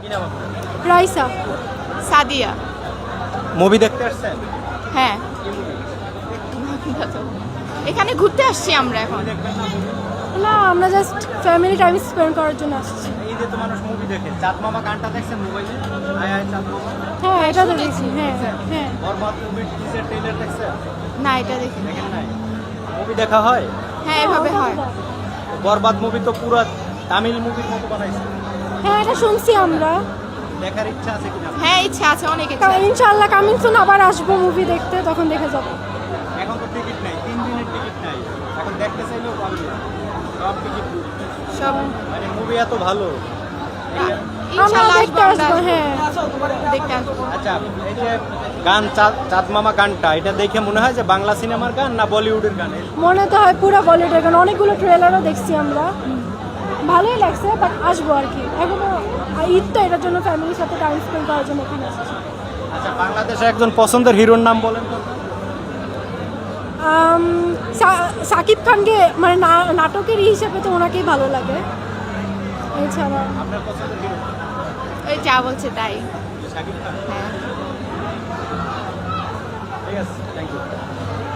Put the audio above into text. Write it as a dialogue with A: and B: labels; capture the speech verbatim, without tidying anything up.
A: কি নাম আপনার?
B: রাইসা।
C: সাদিয়া।
A: মুভি দেখতে আসছেন?
C: হ্যাঁ,
A: কি মুভি?
C: এখানে ঘুরতে আসছি আমরা এখন।
A: দেখবেন না movie?
B: না, আমরা জাস্ট ফ্যামিলি টাইম স্পেন্ড করার জন্য আসছি।
A: এই যে তো মানুষ মুভি দেখে, চাঁদ মামা গানটা দেখছেন মোবাইলে? আয় আয় চাঁদ মামা।
B: হ্যাঁ, এটা তো দেখছি। হ্যাঁ হ্যাঁ।
A: বরবাদ মুভির টিজার ট্রেলার দেখছেন?
C: না, এটা দেখি।
A: দেখেন নাই? মুভি দেখা হয়?
C: হ্যাঁ, এভাবে হয়।
A: বরবাদ মুভি তো পুরো তামিল মুভির মতো বানাইছে।
B: হ্যাঁ, এটা শুনছি আমরা।
A: দেখার ইচ্ছা আছে কিনা?
C: হ্যাঁ, ইচ্ছা আছে, অনেক ইচ্ছা
B: কা-
C: আছে।
B: ইনশাআল্লাহ কামিং সুন আবার আসবো মুভি দেখতে, তখন দেখে যাবো।
A: এখন তো টিকিট নাই, তিন দিনের টিকিট নাই। এখন দেখতে চাইলেও পারবে না, সব টিকিট বুক।
C: সব
A: মানে মুভি এত ভালো।
B: আমরা
C: ইনশাআল্লাহ
B: দেখতে
C: আসবো, আমরা
B: আসবো।
C: আসবো।
B: হ্যাঁ,
C: দেখতে আসবো।
A: আচ্ছা, এই যে গান চাঁদ চাঁদ মামা গানটা, এটা দেখে মনে হয় যে বাংলা সিনেমার গান না বলিউডের গান?
B: মনে তো হয় পুরো বলিউডের গান। অনেকগুলো ট্রেলারও দেখছি আমরা, ভালোই লাগছে। বাট আসবো আর কি, এখনো ঈদ তো, এটার জন্য ফ্যামিলির সাথে টাইম স্পেন্ড করার জন্য এখানে আসছি।
A: আচ্ছা, বাংলাদেশে একজন পছন্দের হিরোর নাম বলেন তো?
B: আম, সা- সাকিব খানকে মানে না- নাটকের হিসেবে তো ওনাকেই ভালো লাগে। এছাড়া
A: আপনার পছন্দের হিরো?
C: ওই যা বলছে তাই।
A: শাকিব খান।
C: হ্যাঁ।
A: ঠিক আছে, থ্যাংক ইউ।